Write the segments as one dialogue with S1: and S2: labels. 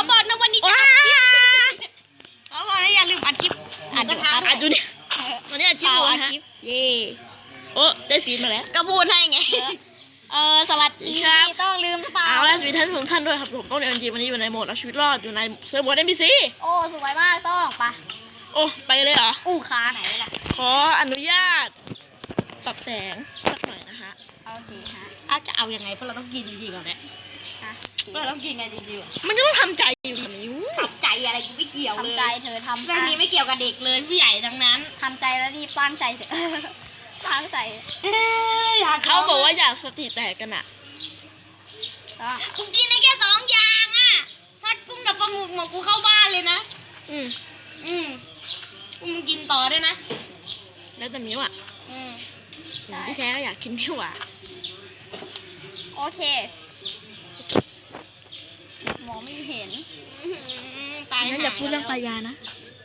S1: บอกนะวันนี้จะขอบอกนะอย่าลืมอัดคลิปอัดดูเนี่ยวันนี้อัดคลิปอยู่นะเย่โอ้ได้ฟีดมาแล้วก็พูดให้ไงสวัสดีต้องลืมเปล่าเอาละสวัสดีท่านทุกท่านด้วยครับผมต้องเรียนจีวันนี้อยู่ในโหมดเอาชีวิตรอดอยู่ในเซิร์ฟเวอร์ NPC
S2: โอ้สวยมากต้องปะ
S1: โอ้ไปเลยเหรอ
S2: ค้าไหนล่ะ
S1: ขออนุญาตปรับแสงสักหน่อยนะฮะ
S2: โอเคฮะ
S1: จะเอายังไงเพราะเราต้องกินจริงๆก่อนเนี่ยเราต้องกินไงจริงๆมันก็ต้องทำใจอยู่ดีนิ้ว
S2: ทำใจอะไรกูไม่เกี่ยวเลยทำใจเธอทำ
S1: เรื่องนี้ไม่เกี่ยวกับเด็กเลยผู้ใหญ่ทั้งนั้น
S2: ทำใจแล้วรีบตั้งใจเถอะตั้งใจ
S1: เขาบอกว่าอยากสติแตกกันอะ
S2: กูกินได้แค่2 อย่างอะถ้ากุ้งกับปลาหมึกหมดกูเข้าบ้านเลยนะ
S1: กูมึงกินต่อได้นะแล้วแต่มิ้วอะพี่แท้ก็อยากกินมิ้วอะ
S2: โอเคมองไม่เห็น
S1: งั้นอย่าพูดเรื่องปลายานะ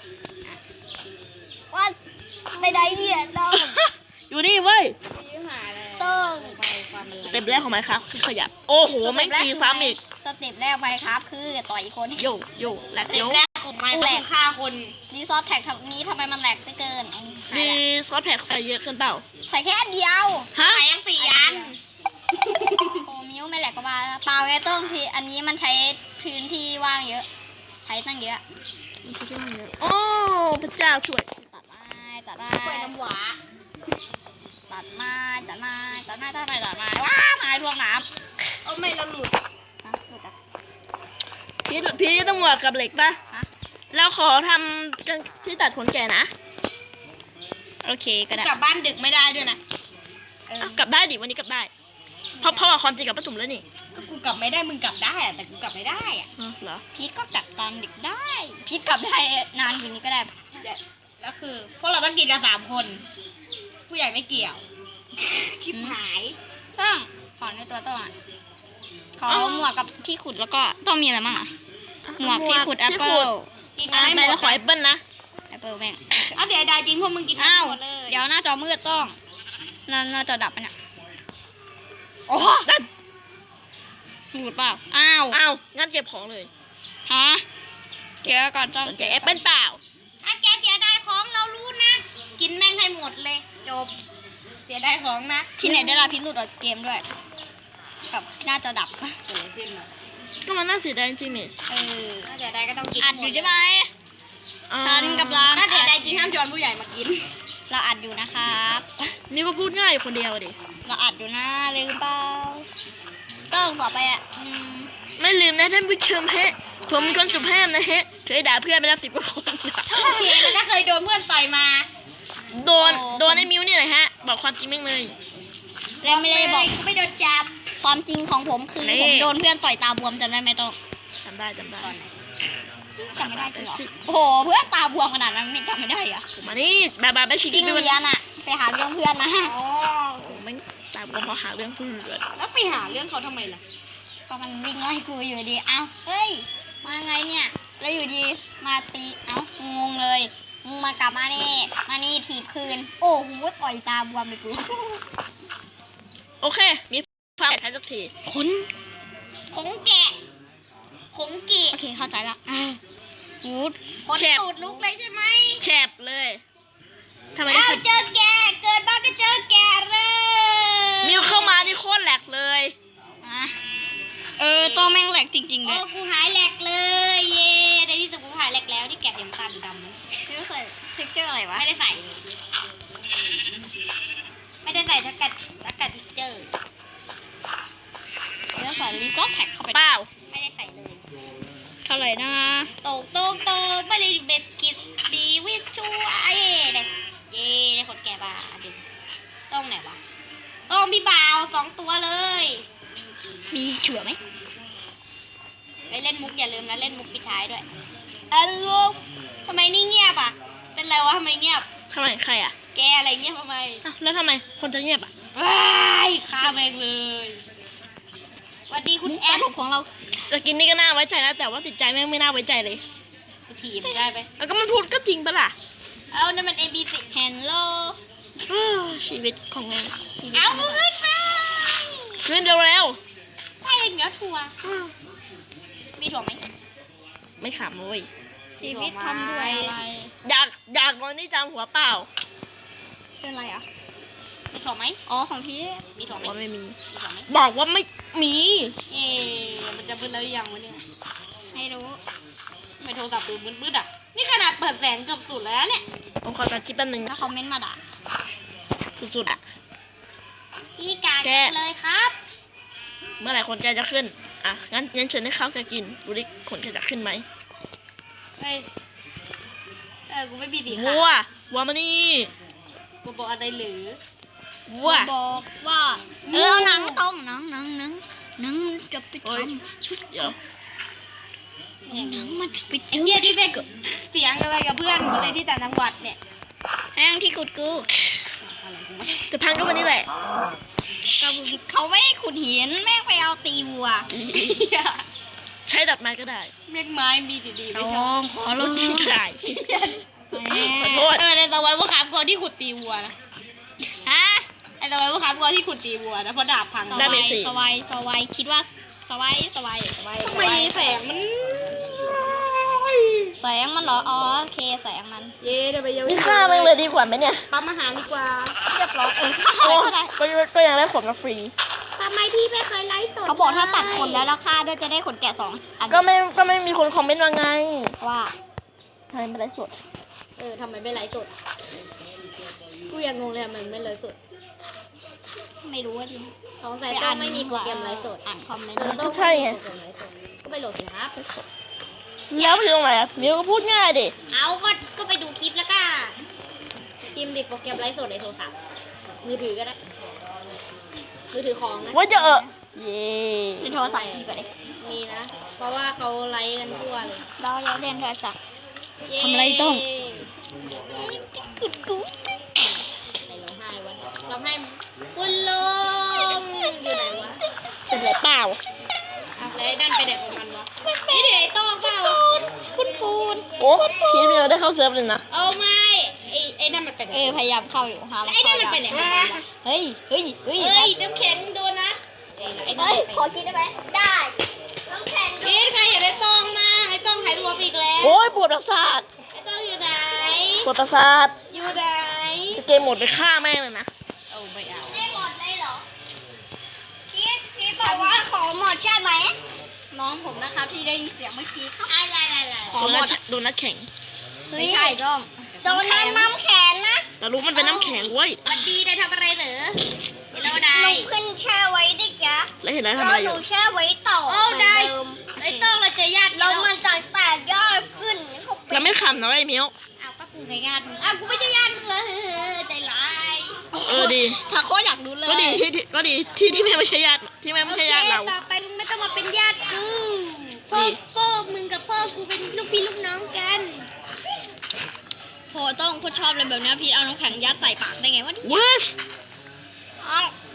S2: ว่าไม่ได้เนี่ยต้อง
S1: อยู่นี่เว้ย
S2: ต้อง
S1: สเต็ปแรกของไมค์ครับคือขยับโอ้โหไม่ตีซ้ำอีก
S2: สเต็ปแรกไปครับคือต่อยคน
S1: โย่แหลกเดี๋ยว
S2: แรกของไมค์คือฆ่าคนรีซอสแท็กนี้ทำไมมันแหลกเกิน
S1: รีซอสแท็กใส่เยอะเกินเปล่า
S2: ใส่แค่เดียว
S1: ฮะ
S2: ใส่ยัง4 อันโอ้มิ้วไม่แหลกก็บ้าเปล่าไงต้องทีอันนี้มันใช้พื้นที่ว่างเยอะใช้ตั้งเยอะ
S1: โอ้พระเจ้าช่วย
S2: ตัดไม้กล้วยน้ำหวาตัดไม้ว้าไม้รวงน้
S1: ำเอาไม่เราหลุดพี่ต้องหวดกับเหล็กป่ะแล้วขอทำกันที่ตัดขนแก่นะ
S2: โอเคก็ได้
S1: กลับบ้านดึกไม่ได้ด้วยนะกลับได้ดิวันนี้กลับได้เพราะว่าความจริงกับป้าจุ๋มแล้วนี่
S2: กูกลับไม่ได้มึงกลับได้แต่กูกลับไม่ได้อะ
S1: เหรอ
S2: พีทก็กลับตอนดึกได้พีทกลับได้นานกว่านี้ก็ได้
S1: แล้วคือพวกเราต้องกินกัน3 คนผู้ใหญ่ไม่เกี่ยว
S2: ชิบหายต้องขอในตัวต้องขอหมวกกับที่ขุดแล้วก็ต้องมีอะไรบ้างอะหมวกที่ขุดแอปเปิ้ล
S1: ไม่แล้วขอแอปเปิ้ลนะ
S2: แอปเปิ้ลแม่ง
S1: เดี๋ยวได้จริงพวกมึงกิน
S2: หมดเลยเดี๋ยวหน้าจอมืดต้องหน้าจอดับไปเนี่ยโอ้ดับหมดเปล่า
S1: อ้าวงั้นเก็บของเลย
S2: ฮะเดี๋ยวก่อนต้อง
S1: เก็บแอปเปิ้ลเปล่า
S2: ถ้าแกเสียดายของเรารู้นะกินแม่งให้หมดเลยจบเสียดายของนะที่ไหนได้ลาพิษหลุดออกเกมด้วยกับหน้าจอดับ
S1: ก็มันน่าเสียดายจริงนี่
S2: ถ้าเสียดายก็ต้องกินอัดอยู่ใช่ไหมฉันกับเรา
S1: ถ้าเสียดายจริงห้ามชวนผู้ใหญ่มากิน
S2: เราอัดอยู่นะครับ
S1: นี่ก็พูดง่ายอยู่คนเดียวดิ
S2: เราอัดอยู่นะลืมเปล่าต้องต่อไปอ่ะ
S1: ไม่ลืมนะท่านผู้ชมฮะผมเป็นคนสุภาพนะฮะเคยด่าเพื่อนไปแล้ว10 กว่าคน
S2: โอเคแล้วถ้าเคยโดนเพื่อนต่อยมา
S1: โดนไอ้มิ้วนี่เลยฮะบอกความจริงแม่งเลย
S2: แล้วไม่ได้บอกไม่โดนจับความจริงของผมคือผมโดนเพื่อนต่อยตาบวมจำได้ไหมโต
S1: จำได้
S2: จำไม่ได้จริงเหรอโอ้โหเพื่อนตาบวมขนาดนั้นไม่จำไม่ได้อะ
S1: มานี่แบบไปชิ
S2: งเรียนอะไปหาเรื่องเพื่อนนะ
S1: อ๋อไม่ตาบวมเพราะหาเรื่องเพื่อนแล้วไปหาเรื่องเขาทำไมล่ะ
S2: ก็มันวิ่งไล่กูอยู่ดีเอ้าเฮ้ยมาไงเนี่ยแล้วอยู่ดีมาตีเอ้างงเลยมึงมากลับมานี่ถีบคืนโอ้โหต่อยตาบวมเลยกู
S1: โอเคมีฟังใช้สักที
S2: ของแกะโอเคเข้าใจละหูดคนตูดลุกเลยใช่ไหม
S1: แฉบเลย
S2: ทำไมเจอแกเกิดบ้านก็เจอแกเลย
S1: มิวเข้ามานี่โคตรแหลกเลย
S2: ตัวแม่งแหลกจริงๆเลย
S1: โอ้กูหายแหลกเลยเย่ในที่สุดกูหายแหลกแล้วที่แกะเดี๋ยวตาดำ
S2: นี่ใส่เทคเจอร์อะไรวะ
S1: ไม่ได้ใส่ทักกัดทิกเจอร์
S2: แล้วใส่รีซอสแพ็คเข้าไป
S1: เปล่า
S2: ไม่ได้ใส่เลยเท่าไหร่นะ
S1: โตไม่ได้เบ็ดกิดดีวิชูเย่ได้คนแก่บ้าดิต้องไหนวะต้องพี่บ่าว2 ตัวเลย
S2: มีเฉื่อไหม
S1: เล่นมุกอย่าลืมนะเล่นมุกปิดท้ายด้วยทำไมนี่เงียบอ่ะเป็นไรวะทำไมเงียบทำไมใครอ่ะแกอะไรเงียบทำไมแล้วทำไมคนจะเงียบอ่ะ
S2: ว้าย
S1: ฆ่าแม่งเลย
S2: สวัสดีคุณแอดของเรา
S1: สกินนี่ก็น่าไว้ใจแล้วแต่ว่าติดใจแม่งไม่น่าไว้ใจเลย
S2: ถีบได้ไป
S1: แล้วก็มันพูดก็จริงปะล่ะ
S2: นั่นมัน ABC Hello
S1: ชีวิตของแม่
S2: เอา
S1: ขึ้นเร็ว
S2: ใช่เหนียวถั่วมีถั่วไหม
S1: ไม่ขำเว้ย
S2: ชีวิตทำด้วยอะไร
S1: อยากนอนนี่จังหัวเปล่า
S2: เป็นไรอ่ะ
S3: มีถั่วไหม
S2: อ๋อของพี่
S3: มีถั่วไหม
S1: ว่าไม่มี
S3: มีถั่วไหม
S1: บอกว่าไม่มี
S3: เอ๊ะมันจะมืดแล้วหรือยังวะเนี่ย
S2: ไม่รู้
S3: ไม่โทรศัพท์ดูมืดๆอ่ะ นี่ขนาดเปิดแสงเกือบสุดแล้วเนี่ย
S1: ผมขอตัดคลิปแป๊บนึง
S2: ถ้าคอมเมนต์มาด่า
S1: สุดๆอะ
S3: พี่กา
S1: แก
S3: เลยครับ
S1: เมื่อไหร่คนแกจะขึ้นอ่ะงั้นเชิญให้ข้าวแกกินดูดิขนแกจะขึ้นไหม
S3: เฮ้ยกูไม่มีสี
S1: วั
S3: ขาว
S1: วัวมานี่
S3: กูบอกอะไรหรือ
S1: วัว
S2: บอกว่าเอาหนังต้มหนังจะไปท
S1: เฮ้ยเดี๋ยว
S2: ำหนังมันจะไป
S3: ไอ้เหี้ยที่ไปเสียงอะไรกับเพื่อนอะไรที่ต่างจังหวัดเนี่ย
S2: แห้งที่ขุดกู
S1: จะพังก็วันนี้แหละ
S2: เขาไม่ให้ขุดหินแม่งไปเอาตีวัว
S1: ใช้ดัดไม้ก็ได้
S3: เม็ดไม้มีดีๆ
S2: โด
S3: ไม่ชอบ
S2: งขอร้อง
S1: ก็ได้ขอโทษ
S3: ในตะวันว่าขามกอที่ขุดตีวัวนะ
S2: ฮะ
S3: ไอ้ตะวันว่าขามกอที่ขุดตีวัวนะเพราะดาบพัง
S2: สวายคิดว่าสวาย
S3: ทำไมแสงมัน
S2: แสงมันเหรออ๋อโอเคแสงมัน
S3: เย้เดี๋ยวไปเยา
S1: นี่ฆ่ามันเลยดีกว่าไหมเนี่ย
S3: ปั๊มอาหารดีกว่า
S2: เรียบร้อย
S1: โอ้
S2: ฆ่าก็ได้
S1: ก็ยังได้ขนมาฟรี
S3: ทำไมพี่ไม่เคยไลฟ์สด
S2: เขาบอกถ้าตัดขนแล้วราคาด้วยจะได้ขนแกะ2 อัน
S1: ก็ไม่มีคนคอมเมนต์ว่าไง
S2: ว่า
S1: ทำไมไม่ได้สด
S3: ทำไมไม่ไลฟ์สดกูยังงงเลยทำไมไม่ไลฟ์สด
S2: ไม่รู้ว่าจริง
S3: สงสัยต้องไม่มีโปรแกรมไลฟ์สด
S2: อ่านคอมเมนต์
S1: ก็ใช่ไง
S3: ก็ไปโหลดสิครับ
S1: แล้วไปตรงไหนอ่ะมิวก็พูดง่ายดิ
S3: เอาก็ไปดูคลิปแล้วก็พิมพ์ดิโปรแกรมไลฟ์สดในโทรศัพท์มือถือก็ได้มือถือของนะ
S1: ว่าจะเย่
S2: ในโทรศัพท์พี่ก็ได้
S3: มีนะ เพราะว่าเขาไลฟ์กันทั่วเลย
S2: เราเล่นโทรศัพท์
S3: เย้
S2: ทำอะไรต้อง กุดกู
S3: ไหนร้องไห้วะร้องไห้คุณลุงอยู่ไหนวะ
S1: เป็นไรเปล่า
S3: อ่ะแล้วไอ้นั่นไปไหนของมันวะนี่เดี๋ยวไอ้โต้งเปล่า
S2: คุณปูน
S1: โอ้พี่มิวได้เข้าเซิร์ฟเลยนะ
S3: เอาไม่ไอ้นั่นมันไปไหน
S2: พยายามเข้าอยู่หา
S3: แล้วไอ้นั่นมันไปไหนของมันวะ
S2: เฮ้ย
S3: เฮ้ยน้ำแข็งโดนนะไอ้นั่น
S2: เฮ้ย
S3: ไป
S2: ขอกินได้ไหมได้น้ำแข็ง
S3: กินใครอยากได้โต้งมาไอ้โต้งหายตัวไปอีกแล้ว
S1: โอ้ยปวดประสาท
S3: ไอ้โต้งอยู่ไหน
S1: ปวดประสาท
S3: อยู่ไหน
S1: เกมหมดไปฆ่าแม่งเลยนะ
S3: เอาไม่เอา
S2: ไม่หมดเลยเหรอพี่บอกว่าของหมดใช่ไหม น้องผมนะครับที่ได้ยินเสียงเมื่อกี้ครับ
S3: อะไร
S1: โดนนัดแข็ง
S2: ไม่ใช่ด้อมโดนน้ำแข็งนะ
S1: แต่รู้มันเป็นน้ำแข็งเว้ย
S3: วันดีได้ทำอะไรเหรอเห็นแล้วได้
S2: หนูขึ้นแช่ไว้ดิจ๊ะ
S1: แล้วเห็นแล้วทำ
S2: แล้
S1: อะ
S2: ว
S1: ไรอ
S2: หนู
S1: ยู่
S2: แช่ไว้ต่อ
S3: โอ้ได้
S2: เหมือนเดิม
S3: ไอ้โต้งเราเจอญาติ
S2: แล้วมันจะแตกยอดขึ้นเขาเป็
S1: แล้ว
S2: น
S1: ไม่ขำนะไอ้มิว
S3: อ้าวก็กูไงญาติมึงอ้าวกูไม่ใช่ญาติมึงเลยใจร้าย
S1: ดี
S2: ถ้าโคตรอยากรู้เลย
S1: ก็ดีที่แม่ไม่ใช่ญาติที่แม่ไม่ใช่ญาติเรา
S3: โอคต่อไปมึงไม่ต้องมาเป็นญาติกูพ่อมึงกับพ่อกูเป็นลูกพี่ลูกน้องกัน
S2: โหต้องโคตรชอบเลยแบบนี้พี่เอาน้ำแข็งยัดใส่ปากได้ไงวะเนี่ย
S1: เว้ย
S2: เอา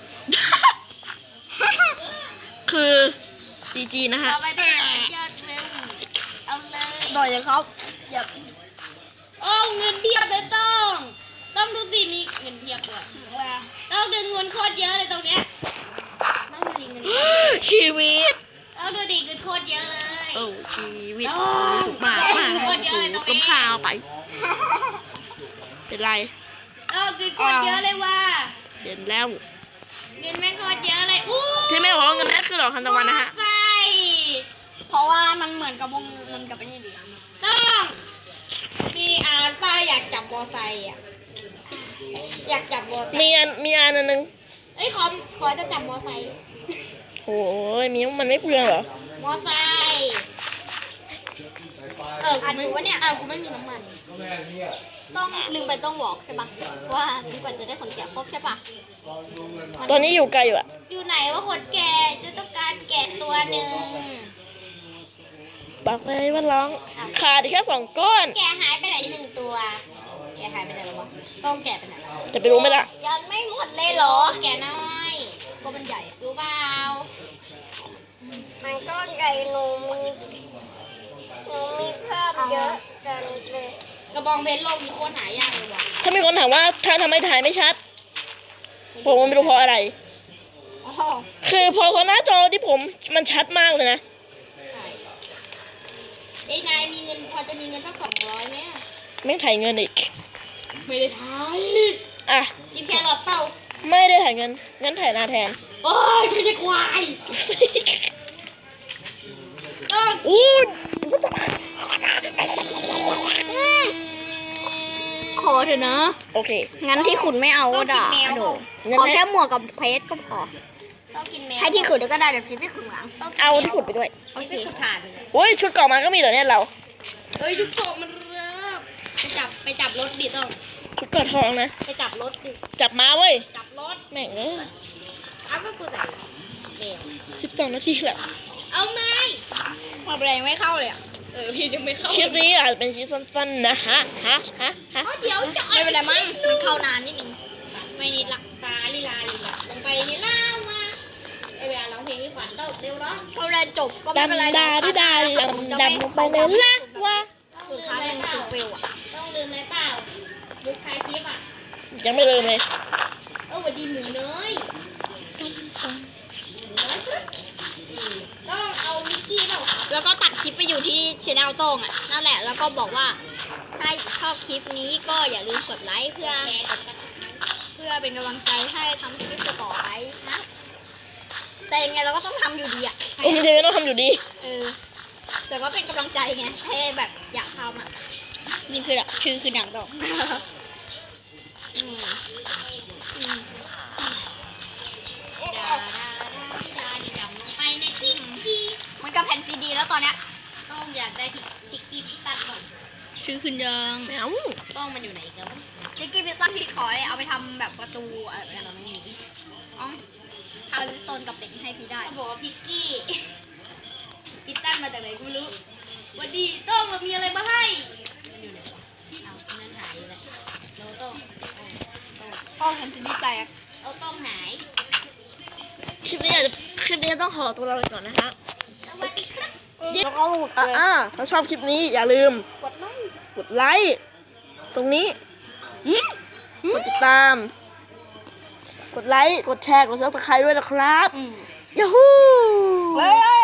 S1: คือจีนะฮะ
S3: ต่อไปเป็นญาติเร็วเอาเลย
S2: ต่อยเลยครับอย่า
S3: โอ้เงินเพียบเลยต้องดูสิมีเงินเพียบด้วยต้องดึงเงินโคตรเยอะเลยตรงเนี้ยต้องดูดิเงิน
S1: ชีวิต
S3: ต้องดูดิเงินโคตรเยอะเลย
S1: โอ้ชีวิต
S3: โอ้
S1: สุขมากสูงก้มข้าวไป เป็นไร
S3: ต้องเงินโคตรเยอะเลยว่ะ
S1: เด่นแล้ว
S3: เงินแม่งโคตรเยอะเลยอู้
S1: ที่แม่บอกว่าเงินแม่คือดอกทานตะวันนะฮะ
S3: ไป
S2: เพราะว่ามันเหมือนกับวงมันกับไอ้นี่ดิ
S3: ต้องมีอาร์ป้าอยากจับมอไซค์อ่ะอยากจับมอไซค์
S1: มีอันนึง
S3: เอ้ยขอจะจับมอไซค์
S1: โอ้ยมิวมันไม่เปลืองเหรอ
S3: มอไซค์กูไม่ว่าเนี่ยกูไม่มีน้ำมัน
S2: ต้องลืมไปต้องบอกใช่ปะว่าดีกว่าจะได้ขนแกะครบใช่ปะ
S1: ตอนนี้อยู่ไกลอยู่อะ
S3: อยู่ไหนว่าคนแก่จะต้องการแกะตัวหนึ่ง
S1: บอกเลยว่าร้องขาดอีกแค่2 ก้อน
S3: แกะหายไปไหนหนึ่งตัว แกะหายไปไหนแล้ววะต้องแกะไปไหน
S1: จะไปรู้ไหมล่ะ
S2: ยังไม่หมดเลยเหรอ
S3: แกะน้อยก็มันใหญ่รู้เปล่า
S2: มันก็ใหญ่หนูมีเพิ่มเยอะจังเลย
S3: กระบองเบนโลกมีโคตรหายากเลยว่ะ
S1: ถ้ามีคนถามว่าทำไมถ่ายไม่ชัด ผมไม่รู้เพราะอะไร
S2: อ๋อ
S1: คือพอหน้าจอที่ผมมันชัดมากเลยนะ
S3: ไอ้นายมันจะมีเงินตั้ง200ไหมอะ
S1: ไม่ถ่ายเงินอีก
S3: ไม่ได้ถ่าย
S1: อ่ะ
S3: กินแครอทเปล่า
S1: ไม่ได้ถ่ายเงิน งั้นถ่ายหน้าแทน
S3: โอ้ยไม่ใช่ควายต้อง
S1: อู้
S2: ขอเถอะนะ
S1: โอเค
S2: งั้นที่ขุนไม่เอาก็ด่าโดขอแค่หมวกกับเพชรก็พอ
S3: ต้องกินแมว
S2: ให้ที่ขุนก็ได้แต่เพชรไม่ขุนหลัง
S1: เอาที่ขุดไปด้วย
S3: โอเคถ่านเลย
S1: โอ้ยชุดเก่ามาก็มีเหรอเนี่ยเรา
S3: เฮ้ยยุกโกะมันเริ่มไปจับรถดิต้อง
S1: ชุดเก่าทองนะ
S3: ไปจับรถดิ
S1: จับมาเว้ย
S3: จับรถ
S1: แม่งเอ้ย
S3: เอาก็กูใส่แมว
S1: 12 นาทีแล้ว
S3: เอาไหม
S2: พอแรงไม่เข้าเลยอ่ะ
S3: พี่ยังไม่เข้า
S1: คลิปนี้อาจจะเป็นคลิปสั้นๆนะฮะ
S3: เอาเดี๋ยวจะ
S2: ไม่เป็นไรมั้งมันเข้านานนิดนึงไม่นิดละ
S3: ตาลีลาลงไปลีลามาไอเวลาร้องเพลงนี่ขวัญต้องเร็วเนาะ
S2: เขาได้จบก็ไม่เป็นไร
S1: ดำดาดำลงไปเลยละว่า
S2: สุดท้ายมันคือฟิลอ่ะ
S3: ต้องลืมอะไรเปล่ายุคท้ายคลิปอ่ะ
S1: ยังไม่ลืมเลย
S3: สวัสดีหมูเนยต้องเอามิกกี้เปล่า
S2: แล้วก็ตัดคลิปไปอยู่ที่ช anel โต้งอ่ะนั่นแหละแล้วก็บอกว่าถ้าชอบคลิปนี้ก็อย่าลืมกดไลค์เพื่อเป็นกำลังใจให้ทำคลิปต่อไปนะแต่ยังไงเราก็ต้องทำอยู่ดีอ่ะ
S1: โอ้ยเดี๋ยวต้องทำอยู่ดี
S2: แต่ก็เป็นกำลังใจไงให้แบบอยากทำอ่ะนี่คือแบบชื่อคือหนังโต้งอืม
S3: ดำลงไปในพริกกี้
S2: มันกับแผ่นซีดีแล้วตอนเนี้ย
S3: ต้องอยากได้พริกกี้พิตันก่อน
S2: ชื่อขึ้นยัง
S1: แมว
S3: ต้องมันอยู่ไหนกัน
S2: จิกกี้พิซซ่าที่ขอเลยเอาไปทำแบบประตูอะไรแบบนั้นนี่อ๋อทำต้นกับเด็กให้พี่ได้
S3: เขาบอกว่าพริกกี้พิตันมาจากไหนกูไม่รู้วันดีต้องเรามีอะไรมาให้มันอยู่ไหนวะเอานั่นหายอยู่แล้วเราต้อง
S2: พ่อแผ่นซีดีแตก
S3: เอาต้องหาย
S1: คลิปนี้ต้องขอตัวเราไปก่อนนะฮะ
S3: สวัสดีครับ
S2: แล้วก็หลุดเลย
S1: ถ้าชอบคลิปนี้อย่าลืม กดไลค์ ตรงนี้ กดติดตาม กดไลค์ กดแชร์ กดซับสไครต์ด้วยนะครับ
S2: อืม
S1: ยาฮู
S2: เฮ้ย